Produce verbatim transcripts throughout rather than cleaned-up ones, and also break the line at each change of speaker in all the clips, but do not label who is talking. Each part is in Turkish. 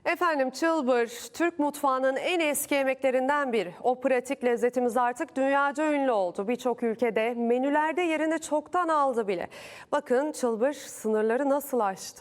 Efendim çılbır, Türk mutfağının en eski yemeklerinden biri. O pratik lezzetimiz artık dünyaca ünlü oldu. Birçok ülkede menülerde yerini çoktan aldı bile. Bakın çılbır sınırları nasıl aştı?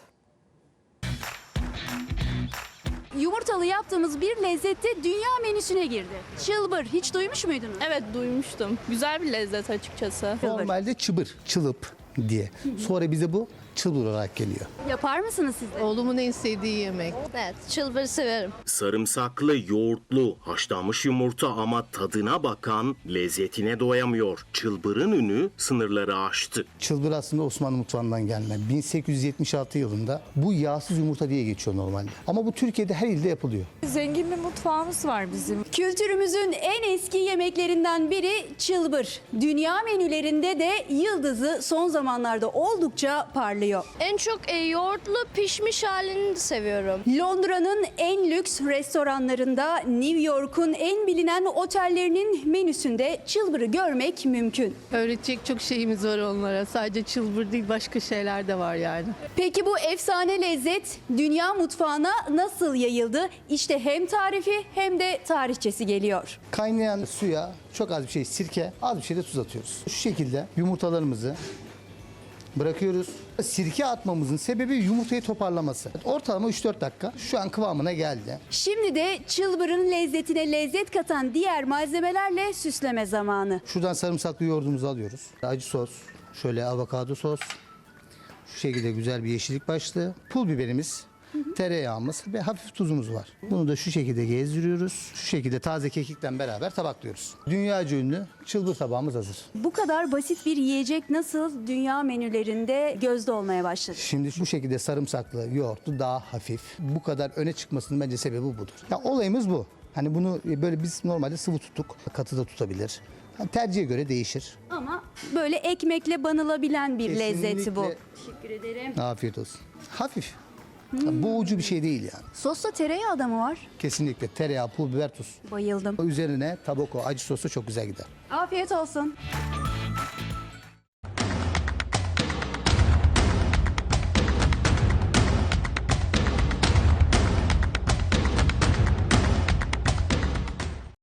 Yumurtalı yaptığımız bir lezzette dünya menüsüne girdi. Çılbır hiç duymuş muydunuz?
Evet duymuştum. Güzel bir lezzet açıkçası.
Normalde çıbır, çılıp diye. Sonra bize bu çılbır olarak geliyor.
Yapar mısınız siz de?
Oğlumun en sevdiği yemek.
Evet, çılbırı severim.
Sarımsaklı, yoğurtlu, haşlanmış yumurta ama tadına bakan lezzetine doyamıyor. Çılbırın ünü sınırları aştı.
Çılbır aslında Osmanlı mutfağından gelme. bin sekiz yüz yetmiş altı yılında bu yağsız yumurta diye geçiyor normalde. Ama bu Türkiye'de her ilde yapılıyor.
Zengin bir mutfağımız var bizim.
Kültürümüzün en eski yemeklerinden biri çılbır. Dünya menülerinde de yıldızı son zamanlarda oldukça parlıyor.
En çok e, yoğurtlu pişmiş halini de seviyorum.
Londra'nın en lüks restoranlarında, New York'un en bilinen otellerinin menüsünde çılbırı görmek mümkün.
Öğretecek çok şeyimiz var onlara. Sadece çılbır değil, başka şeyler de var yani.
Peki bu efsane lezzet dünya mutfağına nasıl yayıldı? İşte hem tarifi hem de tarihçesi geliyor.
Kaynayan suya çok az bir şey sirke, az bir şey de tuz atıyoruz. Şu şekilde yumurtalarımızı bırakıyoruz. Sirke atmamızın sebebi yumurtayı toparlaması. Ortalama üç dört dakika şu an kıvamına geldi.
Şimdi de çılbırın lezzetine lezzet katan diğer malzemelerle süsleme zamanı.
Şuradan sarımsaklı yoğurdumuzu alıyoruz. Acı sos, şöyle avokado sos. Şu şekilde güzel bir yeşillik başlığı. Pul biberimiz, tereyağımız ve hafif tuzumuz var. Bunu da şu şekilde gezdiriyoruz. Şu şekilde taze kekikle beraber tabaklıyoruz. Dünyaca ünlü çılbır tabağımız hazır.
Bu kadar basit bir yiyecek nasıl dünya menülerinde gözde olmaya başladı?
Şimdi bu şekilde sarımsaklı yoğurtlu daha hafif. Bu kadar öne çıkmasının bence sebebi budur. Ya olayımız bu. Hani bunu böyle biz normalde sıvı tuttuk. Katı da tutabilir. Yani tercihe göre değişir.
Ama böyle ekmekle banılabilen bir lezzeti bu.
Kesinlikle.
Teşekkür ederim.
Afiyet olsun. Hafif. Ya boğucu bir şey değil yani.
Sosta tereyağı da mı var?
Kesinlikle tereyağı, pul biber, tuz.
Bayıldım.
Üzerine tabako, acı sosu çok güzel gider.
Afiyet olsun.